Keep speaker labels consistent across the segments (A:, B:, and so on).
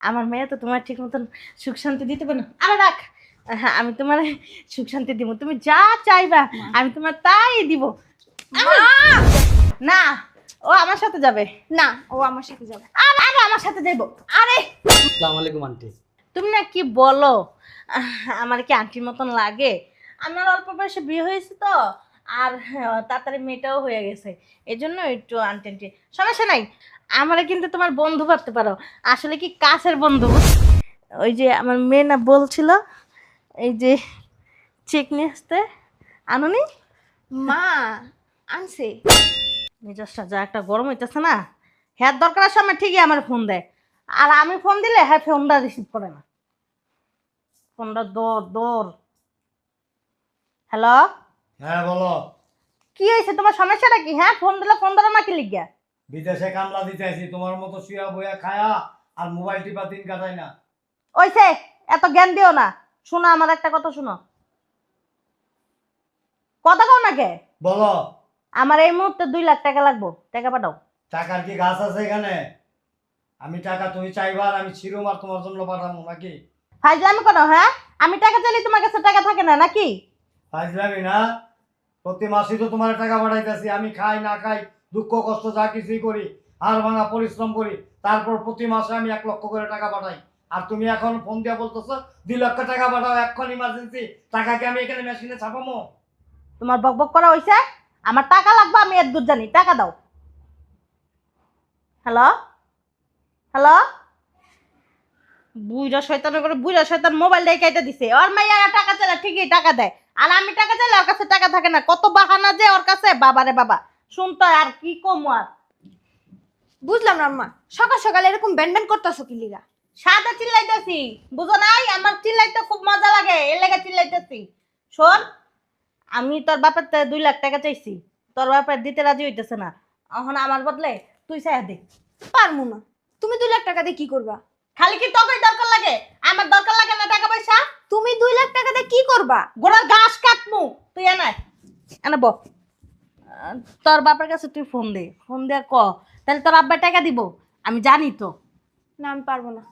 A: আমার মেয়ে তো তোমার ঠিক মতন সুখ শান্তি দিতে পারে না। আরে রাখ, হ্যাঁ আমি তোমার সুখ শান্তি দিব, তুমি যা চাইবা আমি তোমার তাই দিব।
B: মা!
A: না, ও আমার সাথে যাবে।
B: না, ও আমার সাথে যাবে।
A: আরে আরে আমার সাথে যাইব। আরে
C: আসসালামু আলাইকুম আন্টি।
A: তুমি না কি বলো, আমার কি আন্টির মতন লাগে? আমার অল্প বয়সে বিয়ে হয়েছে তো, আর তাড়াতাড়ি মেয়েটাও হয়ে গেছে, এই জন্য একটু আন্টি আন্টি। সমস্যা নাই, আমারে কিন্তু তোমার বন্ধু ভাবতে পারো, আসলে কি কাছের বন্ধু। ওই যে আমার মেয়ে না বলছিল এই যে চেক নিয়ে আসতে, আনুনি?
B: মা আনছে।
A: মেজাজটা যা একটা গরম হইতেছে না, হ্যাঁ দরকারের সময় ঠিকই আমার ফোন দেয়, আর আমি ফোন দিলে হ্যাঁ ফোনটা রিসিভ করে না, ফোনটা দৌড় দৌড়। হ্যালো,
C: হ্যাঁ বলো।
A: কি হয়েছে তোমার, সমস্যাটা কি? হ্যাঁ ফোন দিলে ফোন ধরো না কি লিখিয়া?
C: বিদেশে কামলা দিতে আসি, তোমার মতো শুয়া বইয়া খায়া আর মোবাইল টিপা দিন কাটাই না।
A: ওইছে, এত জ্ঞান দিও না। শোনো আমার একটা কথা শোনো, কথা কও না কে?
C: বলো।
A: আমার এই মুহূর্তে 2 লাখ টাকা লাগবো, টাকা পাঠাও।
C: টাকার কি গাছ আছে এখানে? আমি টাকা তুমি চাইবা আর আমি ছিরুম আর তোমার জন্য পাঠাবো নাকি?
A: ফাইজলামি করো? হ্যাঁ আমি টাকা চাইলে তোমার কাছে টাকা থাকে না নাকি?
C: ফাজলামি না, প্রতি মাসেই তো তোমার টাকা পাঠাইতেছি। আমি খাই না খাই, দুঃখ কষ্ট যা কিছুই করি, হাড় ভাঙা পরিশ্রম করি, তারপর প্রতি মাসে আমি 1 লক্ষ করে টাকা পাঠাই। আর তুমি এখন ফোন দিয়ে বলতেছো 2 লক্ষ টাকা পাঠাও, এখন ইমার্জেন্সি। টাকা কি আমি এখানে মেশিনে ছাপামো?
A: তোমার বক বক করা হইছে, আমার টাকা লাগবে, আমি এর দূর জানি, টাকা দাও। হ্যালো হ্যালো, বুইরা শয়তান করে, বুইরা শয়তান মোবাইল দিয়ে কেটে দিছে। ওর মাইয়া টাকা চাইলে ঠিকই টাকা দেয়, আর আমি টাকা চাইলে ওর কাছে টাকা থাকে না। কত বাহানা যে ওর কাছে, বাবারে বাবা। শুনতো আর কি কম আর।
B: বুঝলাম না আম্মা, সকাল সকাল এরকম ব্যান ব্যান করতেছো কি লিগা?
A: সাদা চিল্লাইতেছি, বুঝো নাই? আমার চিল্লাইতে খুব মজা লাগে, এর লেগে চিল্লাইতেছি। শোন, আমি তোর বাপের 2 লাখ টাকা চাইছি, তোর বাপের দিতে রাজি হইতেছে না, এখন আমার বদলে তুই চাইয়া দে।
B: পারমু না। তুমি 2 লাখ টাকা দিয়ে কি করবা?
A: খালি কি তোকেই দরকার লাগে? আমার দরকার লাগে না টাকা পয়সা?
B: তুমি 2 লাখ টাকা দিয়ে কি করবা?
A: গোড়ার ঘাস কাটমু, তুই এনাই এনে ব। তোর বাপের কাছে তুই ফোন দে, ফোন দিয়ে ক, তাহলে তোর আব্বা টাকা দিব, আমি জানি তো।
B: না আমি পারবো না।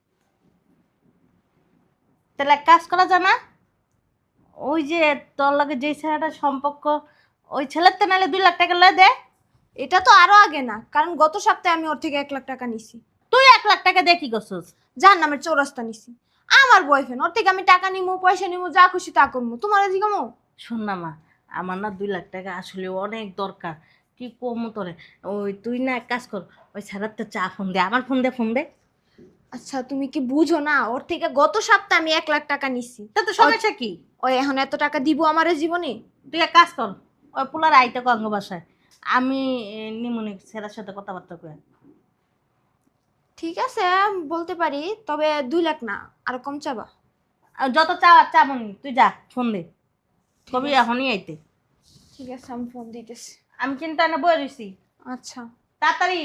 A: তাহলে এক কাজ করা যায় না, ওই যে তোর লগে যে ছেলেটার সম্পর্ক, ওই ছেলের তো নাহলে 2 লাখ টাকা লয়ে দে।
B: এটা তো আরো আগে না, কারণ গত সপ্তাহে আমি ওর থেকে 1 লাখ টাকা নিছি।
A: তুই 1 লাখ টাকা দিয়ে কি করছিস?
B: যার নামের চৌরাস্তা নিছি। আমার বয়ফ্রেন্ড, ওর থেকে আমি টাকা নিমু, পয়সা নিমু, যা খুশি তা করবো। তোমার জিগামো?
A: শোন না মা, আমার না 2 লাখ টাকা আসলে অনেক দরকার, কি কমু তোরে। ওই তুই না এক কাজ কর, ওই ছেলের তো চা ফোন দে, আমার ফোন দে, ফোন দে।
B: আচ্ছা তুমি কি বুঝো না, ওর থেকে গত সপ্তাহে আমি 1 লাখ টাকা নিছি।
A: তা তো সমস্যা কি?
B: ওই এখন এত টাকা দিব আমার জীবনে?
A: তুই এক কাজ কর, ওই পোলার আইতে কঙ্গ বাসায়, আমি নিমুনি ছেলের সাথে কথাবার্তা কই।
B: ঠিক আছে বলতে পারি, তবে 2 লাখ না, আর কম চাবা।
A: যত চা চা মনি, তুই যা ফোন দে, কবি এখনই আইতে।
B: ঠিক আছে আমি ফোন দিতেছি।
A: আমি কিন্তু এনে বয়ে রইছি,
B: আচ্ছা।
A: তাড়াতাড়ি।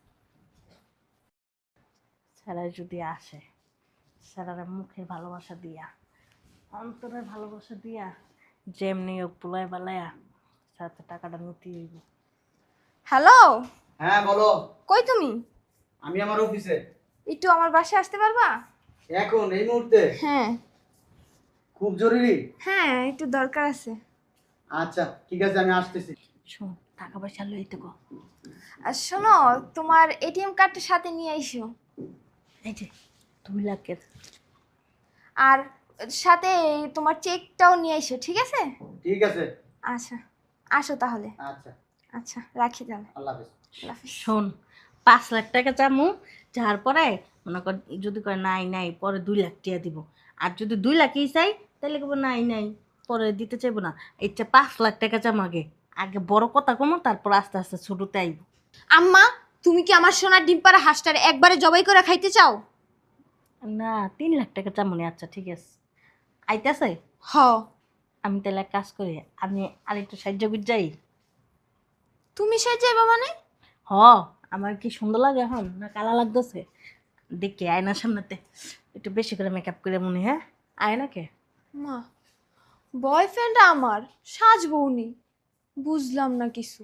A: ছেলে যদি আসে, ছেলের মুখের ভালোবাসা দিয়া, অন্তরের ভালোবাসা দিয়া, যেমনি হোক পুলায় বালায়া সাথে টাকাটা নিতে হইব।
B: হ্যালো,
C: হ্যাঁ বলো।
B: কই তুমি?
C: আমি আমার অফিসে।
B: একটু আমার বাসায় আসতে পারবা?
C: এখন এই মুহূর্তে?
B: হ্যাঁ
C: খুব জরুরি?
B: হ্যাঁ, একটু দরকার আছে।
C: আচ্ছা ঠিক আছে, আমি আসতেছি।
A: শোন, টাকা পয়সা লইতে গো।
B: আর শোনো, তোমার এটিএম কার্ডটা সাথে নিয়ে আইসো।
A: এই যে 2 লাখের।
B: আর সাথে তোমার চেকটাও নিয়ে আইসো, ঠিক আছে?
C: ঠিক আছে।
B: আচ্ছা, আসো তাহলে।
C: আচ্ছা,
B: আচ্ছা রাখি তাহলে।
C: আল্লাহ হাফেজ।
B: আল্লাহ হাফেজ।
A: শোন, 5 লাখ টাকা চামু, যার পরে মনে কর যদি করে নাই নাই পরে 2 লাখ টাকা দিব, আর যদি 2 লাখই চাই তাহলে কেবল নাই নাই পরে দিতে চাইবো না। ইচ্ছা 5 লাখ টাকা চাম, আগে আগে বড় কথা কমো, তারপর আস্তে আস্তে ছোটতে আইব।
B: আম্মা, তুমি কি আমার সোনার ডিম পাড়া হাঁসটার একবারে জবাই করে খাইতে চাও?
A: না, 3 লাখ টাকা চামুনি। আচ্ছা ঠিক আছে, আইতাছে।
B: হ।
A: আমি তাহলে এক কাজ করি, আমি আরেকটু সাহায্য করে যাই।
B: তুমি সে যাইবা মানে?
A: হ, আমার কি সুন্দর লাগে এখন না কালা লাগতেছে? দেখি আয়নার সামনেতে একটু বেশি করে মেকআপ করে মনে, হ্যাঁ আয়নাকে।
B: মা, বয়ফ্রেন্ড আমার সাজবৌনি, বুঝলাম না কিছু।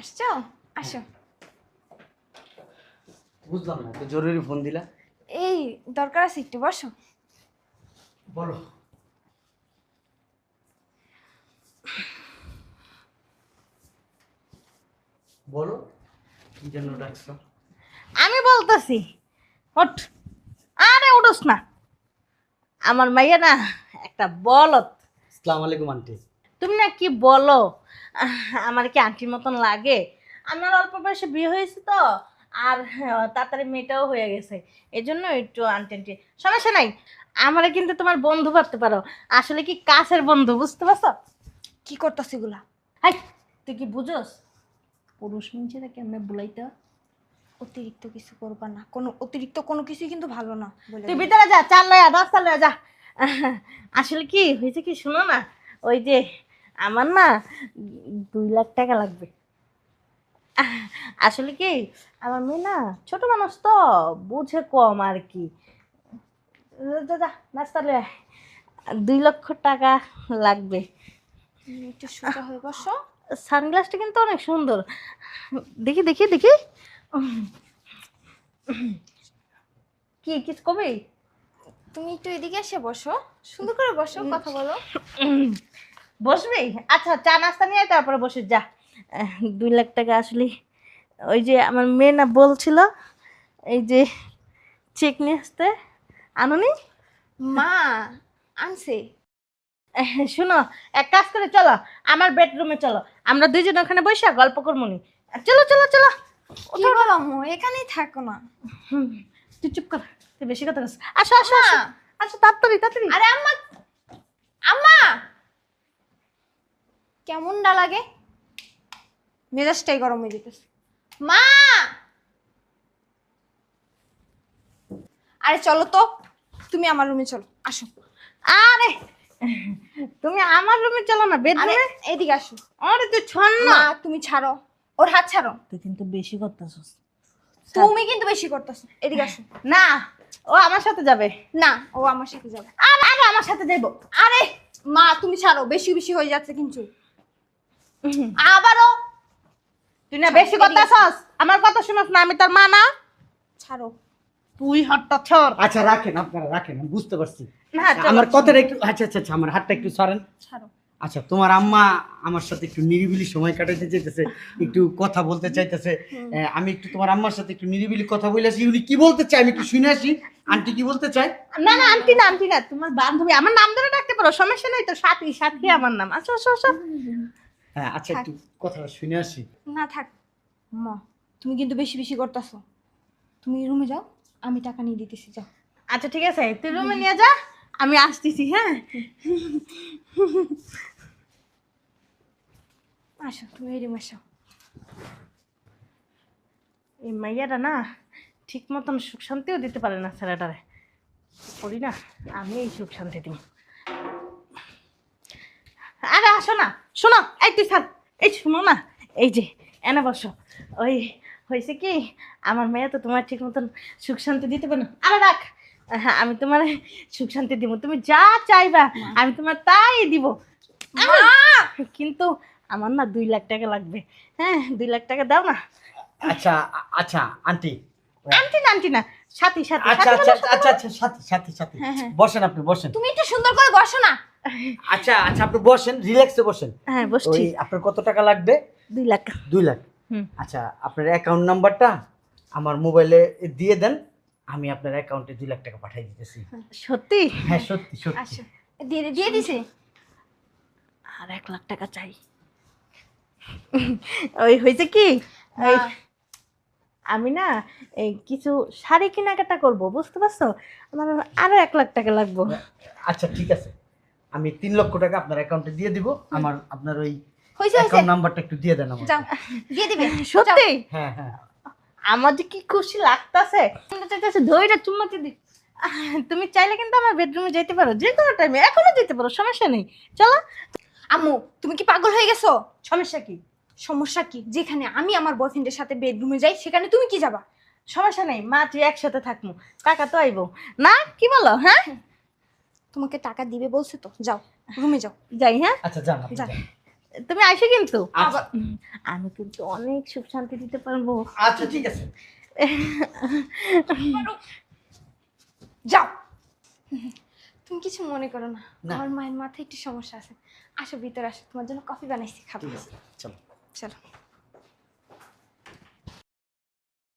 B: আসছো? আসো।
D: বুঝলাম না, তো জরুরি ফোন দিলা।
B: এই দরকার আছে, একটু বসো।
D: বলো। বলো, কি জন্য ডাকছো?
A: আমি বলতেছি ওঠ। আরে উঠোস না, আমার মাইয়া না একটা বলত।
D: আসসালামু আলাইকুম আন্টি।
A: তুমি না কি বলো, আমার কি আন্টির মতন লাগে? আমার অল্প বয়সে বিয়ে হয়েছে তো, আর তাড়াতাড়ি মেয়েটাও হয়ে গেছে, এই জন্য একটু আন্টি আন্টি। সমস্যা নাই, আমারে কিন্তু তোমার বন্ধু ভাবতে পারো, আসলে কি কাছের বন্ধু, বুঝতে পারছো?
B: কি করতেছ এগুলা?
A: হাই, তুই কি বুঝোস পুরুষ মানুষেরা কেমনে বুলাইতে হয়?
B: অতিরিক্ত কিছু করবা না, কোনো অতিরিক্ত কোনো কিছুই কিন্তু ভালো না বলে
A: তুই
B: দিলাম।
A: ভিতরে যা, চাল লয়া রাস্তা লয়া যা। আসলে কি হয়েছে কি শোনো না, ওই যে আমার না 2 লাখ টাকা লাগবে। আসলে কি আমার মেয়ে না ছোট মানুষ তো, বুঝে কম আর কি। যা যা নাস্তা লয়া আয়। 2 লক্ষ টাকা লাগবে।
B: তুমি একটু সোজা হয়ে বসো।
A: সানগ্লাসটা কিন্তু অনেক সুন্দর, দেখি দেখি দেখি। কি কিছু কবি?
B: তুমি একটু এদিকে এসে বসো, সুন্দর করে বসো, কথা বলো।
A: বসবি? আচ্ছা, চা নাস্তা নিয়ে আয়, তারপরে বসে যা। 2 লাখ টাকা আসলে ওই যে আমার মেয়ে না বলছিল এই যে চেক নিয়ে আসতে, আনুনি?
B: মা আনছে।
A: শোনো, এক কাজ করে চলো আমার বেডরুমে চলো, আমরা দুইজন ওখানে বসে গল্প করবো নি। চলো চলো চলো।
B: কি বলো আম্মু, এখানেই থাকো না।
A: হুম, তুই চুপ কর, তুই বেশি কথা বলছিস। আসো আসো আসো,
B: মা।
A: আসো তাড়াতাড়ি তাড়াতাড়ি।
B: আরে আম্মা, আম্মা কেমনটা লাগে, মেজাজটাই গরম হয়ে যেতেছে। মা, আরে চলো তো, তুমি আমার রুমে চলো, আসো।
A: আরে তুমি আমার রুমে চলো না,
B: আরে
A: বেডরুমে।
B: এদিকে আসো।
A: আরে তুই ছন্ন।
B: মা তুমি ছাড়ো, ওর হাত ছাড়ো।
A: তুই কিন্তু বেশি করতেছিস।
B: তুমি কিন্তু বেশি করতেছো, এদিকে আসো।
A: না, ও আমার সাথে যাবে।
B: না, ও আমার সাথে যাবে।
A: আরে আরে আমার সাথে যাইবো।
B: আরে মা তুমি ছাড়ো, বেশি বেশি হয়ে যাচ্ছে কিন্তু। আবারও
A: তুই না বেশি করতেছস, আমার কথা শুনস না, আমি তোর মা না।
B: ছাড়ো।
A: তুই হট্টা ছর।
D: আচ্ছা রাখেন, আপনারা রাখেন, আমি বুঝতে পারছি।
A: না, চলো।
D: আমার কথাটা একটু, আচ্ছা আচ্ছা আচ্ছা, আমার হাতটা একটু সরেন।
B: ছাড়ো।
D: আচ্ছা, তোমার আম্মা আমার সাথে একটু নিরিবিলি সময় কাটাতে চাইতেছে, একটু কথা বলতে চাইতেছে। আমি একটু তোমার আম্মার সাথে একটু নিরিবিলি কথা বলেছি, উনি কি বলতে চাই আমি একটু শুনে আসি। আন্টি কি বলতে চায়?
A: না না আন্টি না, আন্টি না, তোমার বান্ধবী, আমার নাম ধরে ডাকতে পারো, সমস্যা নাই তো, সাথী সাথী আমার নাম। আচ্ছা আচ্ছা আচ্ছা।
D: হ্যাঁ আচ্ছা, একটু কথাটা শুনে আসি।
B: না থাক। মা তুমি কিন্তু বেশি বেশি করতেছো, তুমি রুমে যাও, আমি টাকা নিয়ে দিতেছি, যাও।
A: আচ্ছা ঠিক আছে, তুই রুমে নিয়ে যা, আমি আসতেছি। হ্যাঁ
B: আসো, তুমি এই রুমে আসো।
A: এই মাইয়াটা না ঠিক মতন সুখ শান্তিও দিতে পারে না ছেলেটারে, করি না আমি এই সুখ শান্তি দিব। আরে আসো না, শোনো, এই তুই থাক, এই শোনো না, এই যে এনে বসো। ওই হয়েছে কি, আমার মেয়ে তো তোমার ঠিক মতন সুখ শান্তি দিতে পারে না। আরে রাখ, হ্যাঁ আমি তোমার সুখ শান্তি দিব, তুমি যা চাইবা আমি তোমার তাই দিব। কিন্তু আমার না 2 লাখ টাকা লাগবে। হ্যাঁ 2 লাখ টাকা দাও না।
D: আচ্ছা আচ্ছা আন্টি।
A: আন্টি না আন্টি না, সাথী সাথী।
D: আচ্ছা
A: সাথী
D: আচ্ছা
A: বলো,
D: আচ্ছা আচ্ছা, সাথে সাথে সাথে
B: হ্যাঁ, হ্যাঁ।
D: বসেন, আপনি বসেন।
B: তুমি একটু সুন্দর করে বসো না।
D: আচ্ছা আচ্ছা, আপনি বসেন, রিল্যাক্সে বসেন।
A: হ্যাঁ বসছি।
D: ওই আপনার কত টাকা লাগবে?
A: 2 লাখ।
D: 2 লাখ।
A: হুম।
D: আচ্ছা, আপনার অ্যাকাউন্ট নাম্বারটা আমার মোবাইলে দিয়ে দেন, আমি আপনার অ্যাকাউন্টে 2 লাখ টাকা পাঠিয়ে দিতেছি।
A: সত্যি?
D: হ্যাঁ সত্যি সত্যি।
B: আসো, দিয়ে দিয়ে দিছে।
A: আর 1 লাখ টাকা চাই। ওই হয়েছে কি, ওই আমি না এই কিছু শাড়ি কেনাকাটা করব, বুঝতে পারছো, আমার আরো 1 লাখ টাকা লাগবে।
D: আচ্ছা ঠিক আছে, আমি 3 লক্ষ টাকা আপনার অ্যাকাউন্টে দিয়ে দিব। আমার আপনার ওই
B: হয়েছে
D: অ্যাকাউন্ট নাম্বারটা একটু দিয়ে দেন আমার।
B: যাও, দিয়ে দিবে।
A: সত্যি?
D: হ্যাঁ হ্যাঁ।
A: আমার যে কি খুশি লাগতাছে, ধৈর্য চুম্মাতে দি। তুমি চাইলে কিন্তু আমার বেডরুমে যেতে পারো, যে কোনো টাইমে, এখনো যেতে পারো, সমস্যা নেই, চলো।
B: আম্মু তুমি কি পাগল হয়ে গেছো?
A: সমস্যা কি?
B: সমস্যা কি, যেখানে আমি আমার বয়ফ্রেন্ডের সাথে বেডরুমে যাই সেখানে তুমি কি যাবা?
A: সমস্যা নেই মা, তুই একসাথে থাকবো, টাকা তো আইবো না, কি বলো? হ্যাঁ
B: তোমাকে টাকা দিবে বলছে তো, যাও রুমে যাও।
A: যাই। হ্যাঁ
D: আচ্ছা যান, আপনি
B: যান।
D: যান।
A: তুমি আইসো কিন্তু
D: আচ্ছা।
A: আমি কিন্তু অনেক সুখ শান্তি দিতে পারবো।
D: আচ্ছা ঠিক আছে।
B: যাও। তুমি কিছু মনে করো না,
D: না।
B: আমার মায়ের মাথায় একটু সমস্যা আছে। আসো ভিতরে আসো, তোমার জন্য কফি বানাইছি, খাবো।
D: ঠিক আছে চলো।
B: চলো।